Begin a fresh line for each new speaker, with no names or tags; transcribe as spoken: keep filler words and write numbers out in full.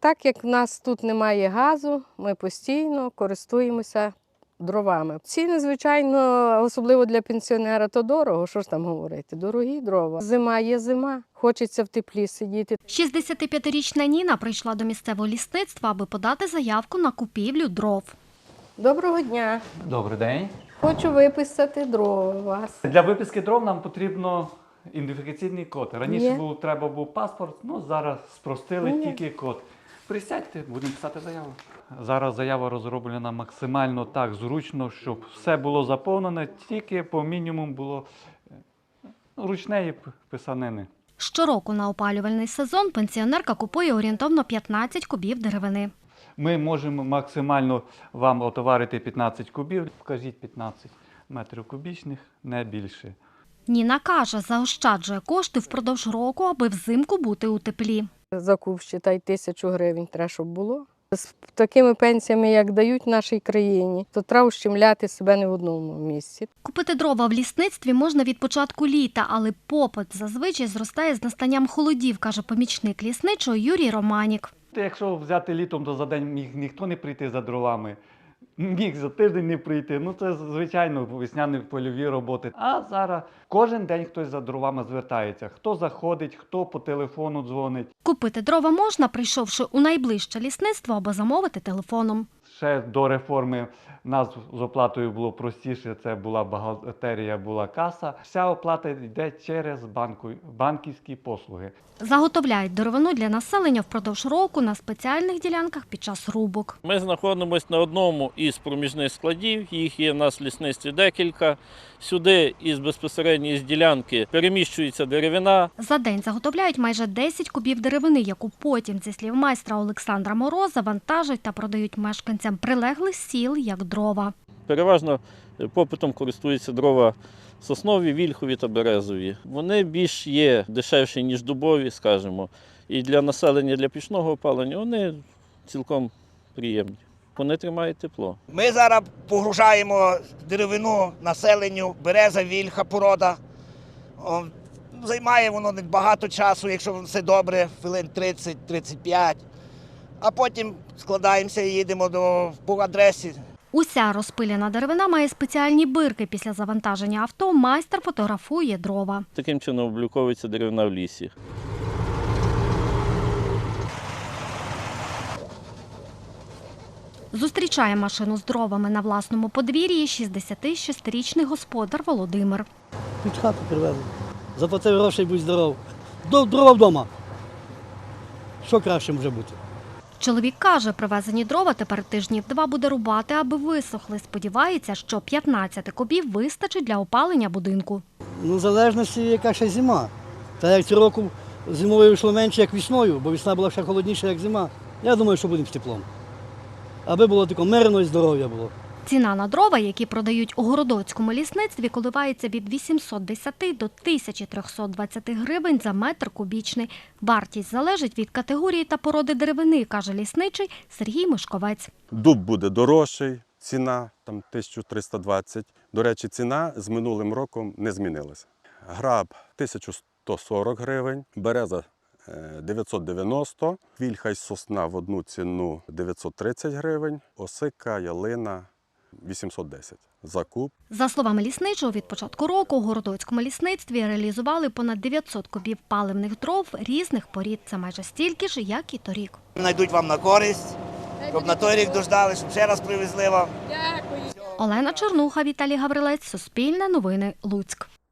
Так як в нас тут немає газу, ми постійно користуємося дровами. Ціни, звичайно, особливо для пенсіонера, то дорого, що ж там говорити, дорогі дрова. Зима є зима, хочеться в теплі сидіти.
шістдесятип'ятирічна Ніна прийшла до місцевого лісництва, аби подати заявку на купівлю дров.
Доброго дня.
Добрий день.
Хочу виписати дрова у вас.
Для виписки дров нам потрібно ідентифікаційний код. Раніше
Є.
був, треба був паспорт, ну зараз спростили
Є.
тільки код. Присядьте, будемо писати заяву. Зараз заява розроблена максимально так зручно, щоб все було заповнене, тільки по мінімуму було ну, ручної писанини.
Щороку на опалювальний сезон пенсіонерка купує орієнтовно п'ятнадцять кубів деревини.
Ми можемо максимально вам отоварити п'ятнадцять кубів, покажіть п'ятнадцять метрів кубічних, не більше.
Ніна каже, заощаджує кошти впродовж року, аби взимку бути у теплі.
Закуп, считай, тисячу гривень треба, щоб було. З такими пенсіями, як дають в нашій країні, то треба ущемляти себе не в одному місці.
Купити дрова в лісництві можна від початку літа, але попит зазвичай зростає з настанням холодів, каже помічник лісничого Юрій Романік.
Якщо взяти літом, то за день міг ніхто не прийти за дровами, міг за тиждень не прийти. Ну це, звичайно, весняні польові роботи. А зараз кожен день хтось за дровами звертається. Хто заходить, хто по телефону дзвонить.
Купити дрова можна, прийшовши у найближче лісництво або замовити телефоном.
Ще до реформи в нас з оплатою було простіше, це була бухгалтерія, була каса. Вся оплата йде через банку, банківські послуги.
Заготовляють деревину для населення впродовж року на спеціальних ділянках під час рубок.
Ми знаходимося на одному із проміжних складів, їх є в нас в лісництві декілька. Сюди із безпосередньої ділянки переміщується деревина.
За день заготовляють майже десять кубів деревини, яку потім, зі слів майстра Олександра Мороза, вантажать та продають мешканцям прилеглих сіл як дрова.
Переважно попитом користуються дрова соснові, вільхові та березові. Вони більш є дешевші, ніж дубові, скажімо. І для населення, для пічного опалення вони цілком приємні. Вони тримають тепло.
Ми зараз погружаємо деревину населенню, береза, вільха, порода. О, займає воно не багато часу, якщо все добре, хвилин тридцять - тридцять п'ять. А потім складаємося і їдемо до, по адресі.
Уся розпилена деревина має спеціальні бирки. Після завантаження авто майстер фотографує дрова.
Таким чином обліковується деревина в лісі.
Зустрічає машину з дровами на власному подвір'ї шістдесятишестирічний господар Володимир.
Під хату привезли. Заплатив грошей, будь здоров. До- Дрова вдома. Що краще може бути?
Чоловік каже, привезені дрова тепер тижнів два буде рубати, аби висохли. Сподівається, що п'ятнадцять кубів вистачить для опалення будинку.
Ну, в залежності, яка ще зима. Та як цього року зимою вийшло менше, як весною, бо весна була ще холодніша, як зима. Я думаю, що будемо з теплом. Аби було таке мирно і здоров'я було.
Ціна на дрова, які продають у городоцькому лісництві, коливається від вісімсот десяти до тисячі трьохсот двадцяти гривень за метр кубічний. Вартість залежить від категорії та породи деревини, каже лісничий Сергій Мишковець.
Дуб буде дорожчий, ціна там тисяча триста двадцять. До речі, ціна з минулим роком не змінилася. Граб тисяча сто сорок гривень, береза дев'ятсот дев'яносто, вільха й сосна в одну ціну дев'ятсот тридцять гривень, осика, ялина вісімсот десять за куб.
За словами лісничого, від початку року у городоцькому лісництві реалізували понад дев'ятсот кубів паливних дров різних порід. Це майже стільки ж, як і торік.
Найдуть вам на користь, щоб на той рік дождали, щоб ще раз привезли вам.
Олена Чернуха, Віталій Гаврилець, Суспільне новини, Луцьк.